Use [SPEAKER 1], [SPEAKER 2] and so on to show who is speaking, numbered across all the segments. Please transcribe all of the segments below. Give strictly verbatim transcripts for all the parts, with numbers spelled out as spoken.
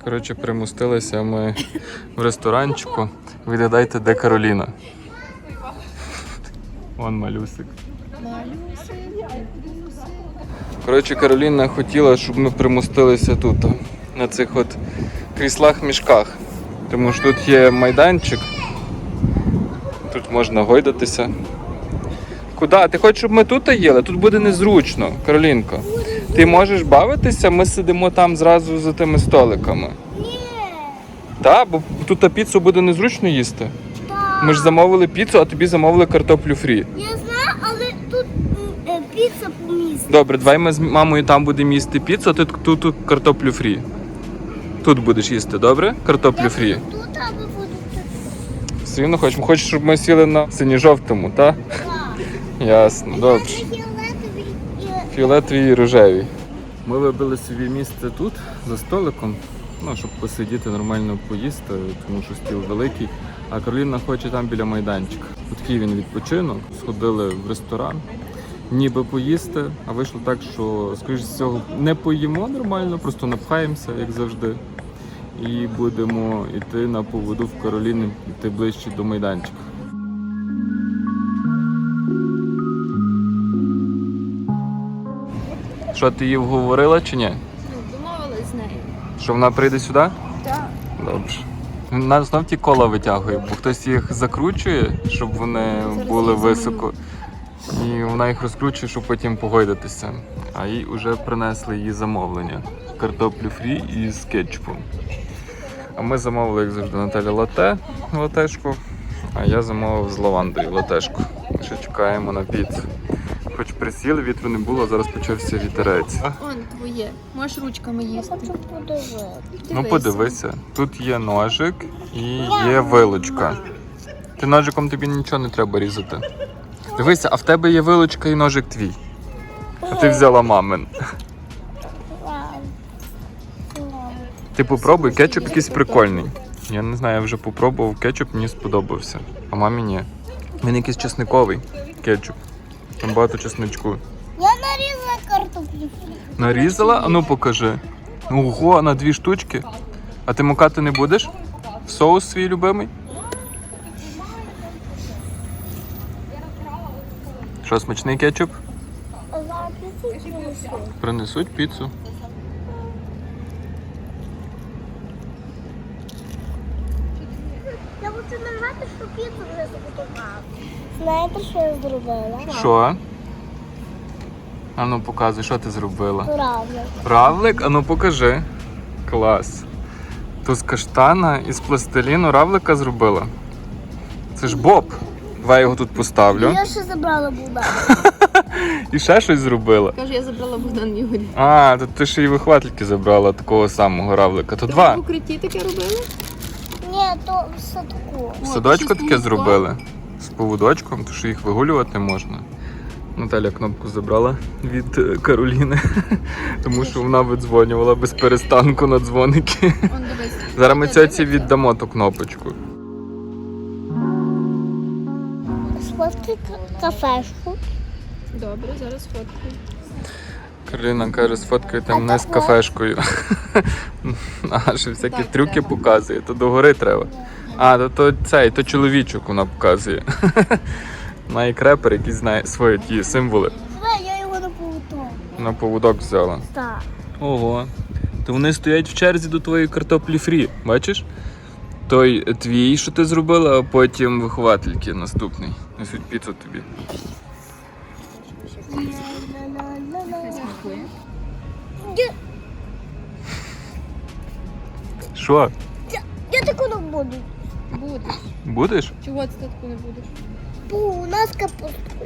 [SPEAKER 1] Коротше, примустилися ми в ресторанчику. Відгадайте, де Кароліна. Вон малюсик. Коротше, Кароліна хотіла, щоб ми примустилися тут, на цих от кріслах-мішках. Тому що тут є майданчик. Тут можна гойдатися. Куди? Ти хочеш, щоб ми тут їли? Тут буде незручно, Каролінко. Ти можеш бавитися, ми сидимо там зразу за тими столиками.
[SPEAKER 2] Ні.
[SPEAKER 1] Так, бо тут піцу буде незручно їсти.
[SPEAKER 2] Так.
[SPEAKER 1] Ми ж замовили піцу, а тобі замовили картоплю фрі.
[SPEAKER 2] Я знаю, але тут е, піца по місту.
[SPEAKER 1] Добре, давай ми з мамою там будемо їсти піцу, а ти тут, тут картоплю фрі. Тут будеш їсти, добре? Картоплю фрі.
[SPEAKER 2] Тут або будете.
[SPEAKER 1] Все рівно хочеш? Хочеш, щоб ми сіли на синьо-жовтому, так?
[SPEAKER 2] Так.
[SPEAKER 1] Ясно, добре.
[SPEAKER 2] Фіолетовий і
[SPEAKER 1] Фіолетові і рожеві. Ми вибили собі місце тут, за столиком, ну, щоб посидіти, нормально поїсти, тому що стіл великий. А Кароліна хоче там біля майданчика. Такий він відпочинок, сходили в ресторан, ніби поїсти, а вийшло так, що, скоріш всього, не поїмо нормально, просто напхаємося, як завжди. І будемо йти на поводу в Кароліни, йти ближче до майданчика. Що, ти її вговорила чи ні?
[SPEAKER 3] Ну, домовились з нею.
[SPEAKER 1] Що вона прийде сюди?
[SPEAKER 3] Так.
[SPEAKER 1] Добре. Нас знов ті кола витягує, бо хтось їх закручує, щоб вони були високо. І вона їх розкручує, щоб потім погойдатися. А їй вже принесли її замовлення. Картоплю фрі із кетчупом. А ми замовили, як завжди, Наталя лате, латешку, а я замовив з лавандою латешку. Ми ще чекаємо на піцу. Хоч присіли, вітру не було, зараз почався вітерець.
[SPEAKER 3] Он твоє. Можеш ручками їсти.
[SPEAKER 2] хочу подивитися.
[SPEAKER 1] Ну подивися, тут є ножик і є вилочка. Ти ножиком, тобі нічого не треба різати. Дивися, а в тебе є вилочка і ножик твій. А ти взяла мамин. Ти попробуй, кетчуп якийсь прикольний. Я не знаю, я вже попробував кетчуп, мені сподобався. А мамі ні. Він якийсь чесниковий кетчуп. Там багато чесничку.
[SPEAKER 2] Я нарізала картоплю.
[SPEAKER 1] Нарізала? А ну покажи. Ого, на дві штучки. А ти мукати не будеш? Соус свій любимий? Що, смачний кетчуп?
[SPEAKER 2] А зараз піцу принесу.
[SPEAKER 1] Принесуть піцу.
[SPEAKER 2] Я хочу нажати, що піцу вже заготувала. Знаєте, що я зробила?
[SPEAKER 1] Що? А ну показуй, що ти зробила?
[SPEAKER 2] Правильно.
[SPEAKER 1] Равлик? А ну покажи. Клас. То з каштана і з пластиліну равлика зробила. Це ж Боб. Давай я його тут поставлю.
[SPEAKER 2] Я ще забрала Богдана.
[SPEAKER 1] І ще щось зробила.
[SPEAKER 3] Каже, я забрала Богдан Ігорі.
[SPEAKER 1] А, то ти ще й вихватлики забрала такого самого равлика. То два.
[SPEAKER 3] В укритті таке робили?
[SPEAKER 2] Ні, то в садку.
[SPEAKER 1] В садочку таке зробили. З поводочком, то що їх вигулювати можна. Наталя кнопку забрала від е, Кароліни, тому що вона видзвонювала без перестанку на дзвоники.
[SPEAKER 3] Он дивись.
[SPEAKER 1] Зараз ми цьоці віддамо ту кнопочку.
[SPEAKER 2] Сфоткай кафешку.
[SPEAKER 3] Добре, зараз фоткаю.
[SPEAKER 1] Кароліна каже, сфоткайте мене з кафешкою. А, що всякі
[SPEAKER 3] Так,
[SPEAKER 1] трюки
[SPEAKER 3] треба.
[SPEAKER 1] показує, то догори треба. А, то, то цей, то чоловічок вона показує. Вона як репер, який знає свої ті символи.
[SPEAKER 2] Давай, я його на поводок.
[SPEAKER 1] На поводок взяла.
[SPEAKER 2] Так.
[SPEAKER 1] Ого. То вони стоять в черзі до твоєї картоплі фрі, бачиш? Той твій, що ти зробила, а потім виховательки наступний. Несуть піцу тобі.
[SPEAKER 2] Я,
[SPEAKER 1] Що?
[SPEAKER 2] я, я таку не буду.
[SPEAKER 3] Будеш.
[SPEAKER 1] Будеш?
[SPEAKER 3] Чого ти таку не будеш?
[SPEAKER 2] Бо у нас капустка.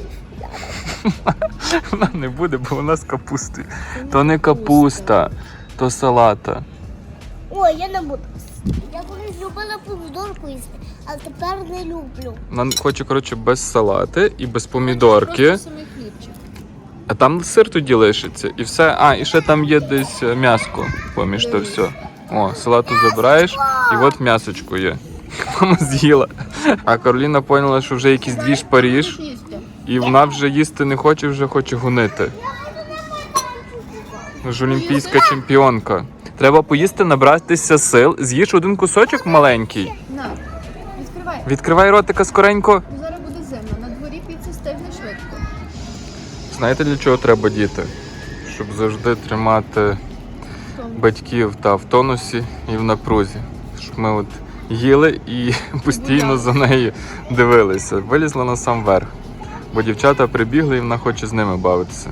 [SPEAKER 1] Вона не буде, бо вона з капустою. То не капуста, то салата.
[SPEAKER 2] Ой, я не буду. Я колись любила помідорку їсти, а тепер не люблю.
[SPEAKER 1] Вона хоче, коротше, без салати і без помідорки.
[SPEAKER 3] Просто самий хлібчик.
[SPEAKER 1] А там сир тоді лишиться. І все. А, і ще там є десь м'яско поміж то все. О, салату забираєш, і от м'ясочко є. Мама з'їла. А Кароліна поняла, що вже якийсь двіж Паріж,
[SPEAKER 3] Будеш їсти?
[SPEAKER 1] і вона вже їсти не хоче, вже хоче гонити. Ж олімпійська чемпіонка. Треба поїсти, набратися сил. З'їж один кусочок маленький.
[SPEAKER 3] На, відкривай.
[SPEAKER 1] Відкривай ротика скоренько.
[SPEAKER 3] Бо зараз буде зимно. На дворі піца стигне швидко.
[SPEAKER 1] Знаєте, для чого треба діти? Щоб завжди тримати батьків та в тонусі і в напрузі. Щоб ми от їли і постійно за нею дивилися. Вилізла на сам верх. Бо дівчата прибігли і вона хоче з ними бавитися.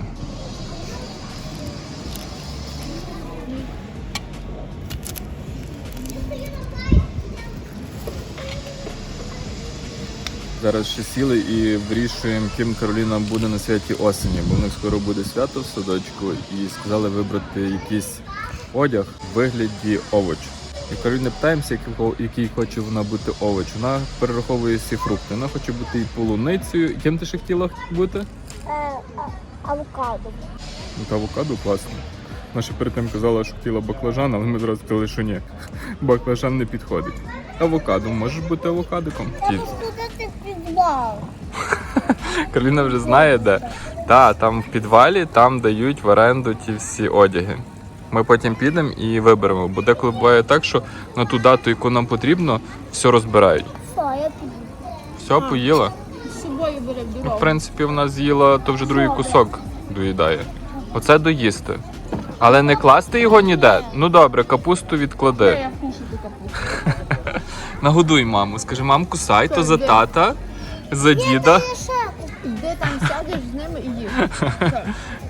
[SPEAKER 1] Зараз ще сіли і вирішуємо, ким Кароліна буде на святі осені, бо в них скоро буде свято в садочку і сказали вибрати якийсь одяг в вигляді овочу. І Кароліни питаємося, який хоче вона бути овоч. Вона перераховує всі фрукти. Вона хоче бути і полуницею. Ким ти ще хотіла бути?
[SPEAKER 2] Е, авокадо.
[SPEAKER 1] Ну, та авокадо класно. Вона ще перед тим казала, що хотіла баклажан, але ми зразу сказали, що ні. Баклажан не підходить. Авокадо. Можеш бути авокадиком?
[SPEAKER 2] Треба сходити в підвал.
[SPEAKER 1] Кароліна вже знає, де. Та, там в підвалі, там дають в оренду ті всі одяги. Ми потім підемо і виберемо, бо деколи буває так, що на ту дату, яку нам потрібно, все розбирають.
[SPEAKER 2] Все, я піду.
[SPEAKER 1] Все, поїла.
[SPEAKER 3] З собою бере в
[SPEAKER 1] Ну,
[SPEAKER 3] дорогу.
[SPEAKER 1] в принципі, вона з'їла, то вже другий кусок доїдає. Оце доїсти. Але не класти його ніде. Ну добре, капусту відклади.
[SPEAKER 3] Я вкушу ту капусту.
[SPEAKER 1] Нагодуй маму. Скажи, мам, кусай, то за
[SPEAKER 3] Де?
[SPEAKER 1] тата, за діда.
[SPEAKER 3] Йди там сядеш з ними і їж. Все.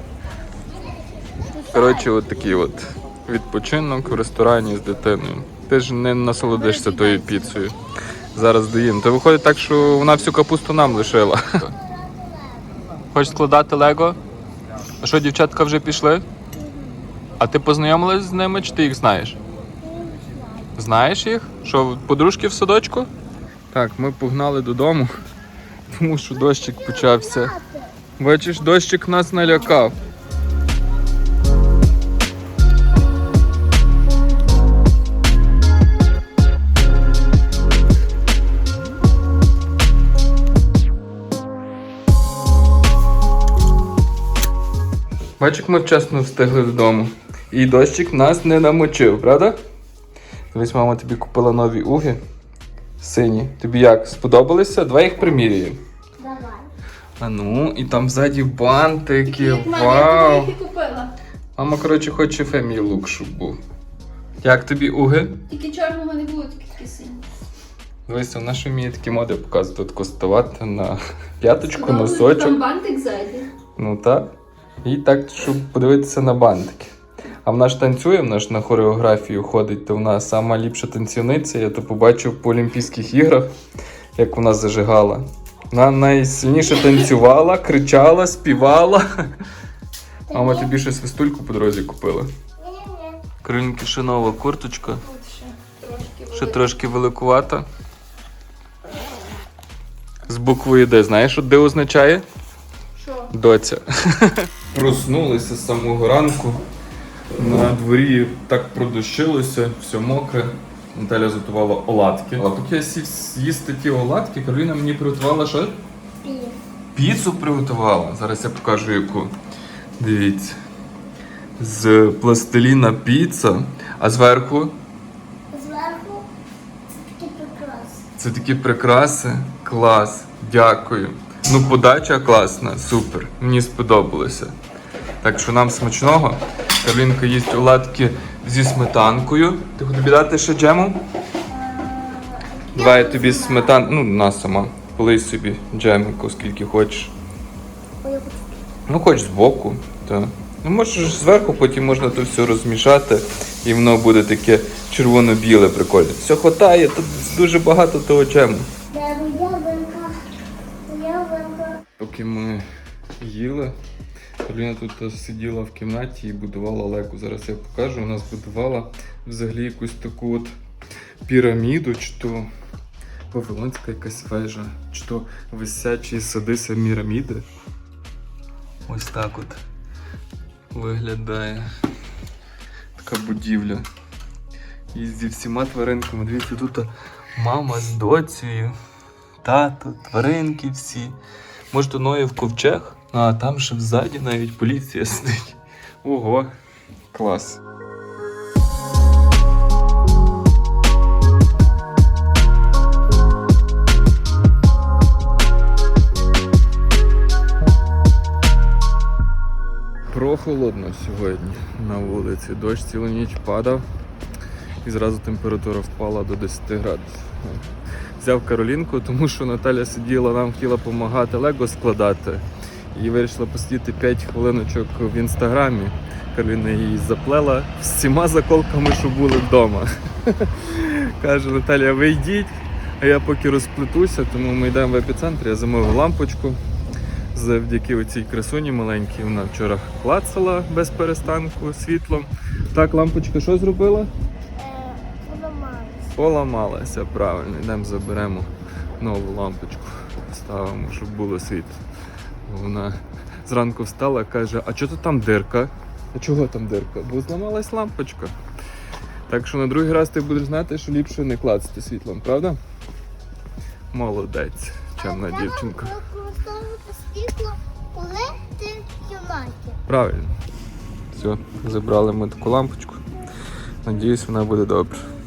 [SPEAKER 1] Коротше, от такий от відпочинок в ресторані з дитиною. Ти ж не насолодишся тою піцею. Зараз доїм. То виходить так, що вона всю капусту нам лишила. Хочеш складати лего? А що, дівчатка вже пішли? А ти познайомилась з ними, чи ти їх знаєш? Знаєш їх? Що, подружки в садочку? Так, ми погнали додому, тому що дощик почався. Бачиш, дощик нас налякав. Бачиш, як ми вчасно встигли додому. І дощик нас не намочив, правда? Дивись, мама тобі купила нові уги. Сині. Тобі як? Сподобалися? Давай їх приміряємо.
[SPEAKER 2] Давай.
[SPEAKER 1] А ну, і там ззаді бантики.
[SPEAKER 3] Мама, я
[SPEAKER 1] Вау!
[SPEAKER 3] тобі їх і купила.
[SPEAKER 1] Мама, коротше, хоче Family Look, щоб був. Як тобі уги?
[SPEAKER 3] Тільки чорного не було, тільки такі сині.
[SPEAKER 1] Дивись, вона ж вміє такі моди показувати. Тако ставати на п'яточку,
[SPEAKER 3] Там
[SPEAKER 1] носочок.
[SPEAKER 3] бантик ззаді.
[SPEAKER 1] Ну так. І так, щоб подивитися на бантики. А вона ж танцює, вона ж на хореографію ходить, то вона сама ліпша танцівниця. Я то побачив по Олімпійських іграх, як вона зажигала. Вона найсильніше танцювала, кричала, співала. Мама тобі ще свистульку по дорозі купила.
[SPEAKER 2] Ні-ні.
[SPEAKER 1] Каролінки ще нова курточка.
[SPEAKER 3] Тут ще трошки
[SPEAKER 1] Ще трошки великувата. З буквою Д. Знаєш, що Д означає?
[SPEAKER 3] Що?
[SPEAKER 1] Доця. Проснулися з самого ранку. На дворі так продощилося, все мокре. Наталя готувала оладки. А поки я сів з'їсти ті оладки, Кароліна мені приготувала що?
[SPEAKER 2] Пі.
[SPEAKER 1] Піцу приготувала. Зараз я покажу яку. Дивіться. З пластиліна піца, а зверху
[SPEAKER 2] Зверху такі прикраси.
[SPEAKER 1] це такі прикраси. Клас. Дякую. Ну, подача класна, супер. Мені сподобалося. Так що нам смачного. Каролінка їсть оладки зі сметанкою. Ти хочеш тобі дати ще джему? Давай я тобі сметан... Ну, на сама. Полий собі джемику, скільки хочеш.
[SPEAKER 2] Ой, я хочу.
[SPEAKER 1] Ну, хоч збоку. Так. Ну, можеш зверху, потім можна то все розмішати. І воно буде таке червоно-біле прикольне. Все хватає, тут дуже багато того джему.
[SPEAKER 2] Де ялинка? Ялинка.
[SPEAKER 1] Поки ми їли, Кароліна тут сиділа в кімнаті і будувала лего. Зараз я покажу. Вона збудувала взагалі якусь таку от піраміду, чи то вавилонська якась вежа, чи то висячі сади Семіраміди. Ось так от виглядає така будівля. І зі всіма тваринками. Дивіться, тут мама з доцею, тато, тваринки всі. Може, то Ноєв ковчег? А там ще ззаді навіть поліція сидить. Ого, клас. прохолодно сьогодні на вулиці. Дощ цілу ніч падав і зразу температура впала до десяти градусів. Взяв Каролінку, тому що Наталя сиділа, нам хотіла допомагати лего складати. І вирішила посидіти п'ять хвилиночок в інстаграмі. Кароліна її заплела з всіма заколками, що були вдома. Каже, Наталя, ви йдіть, а я поки розплетуся, тому ми йдемо в епіцентр. Я замовив лампочку. Завдяки оцій красуні маленькій, вона вчора клацала без перестанку світлом. Так, лампочка що зробила?
[SPEAKER 2] Е, Поламалась.
[SPEAKER 1] Поламалася, правильно. Йдемо заберемо нову лампочку, ставимо, щоб було світло. Вона зранку встала і каже, а чого там дирка? А чого там дирка? Бо зламалась лампочка. Так що на другий раз ти будеш знати, що ліпше не клацати світлом, правда? Молодець, чемна
[SPEAKER 2] Але
[SPEAKER 1] дівчинка.
[SPEAKER 2] треба використовувати світло, коли ти в кімнаті.
[SPEAKER 1] Правильно. Все, забрали ми таку лампочку. Надіюсь, вона буде добре.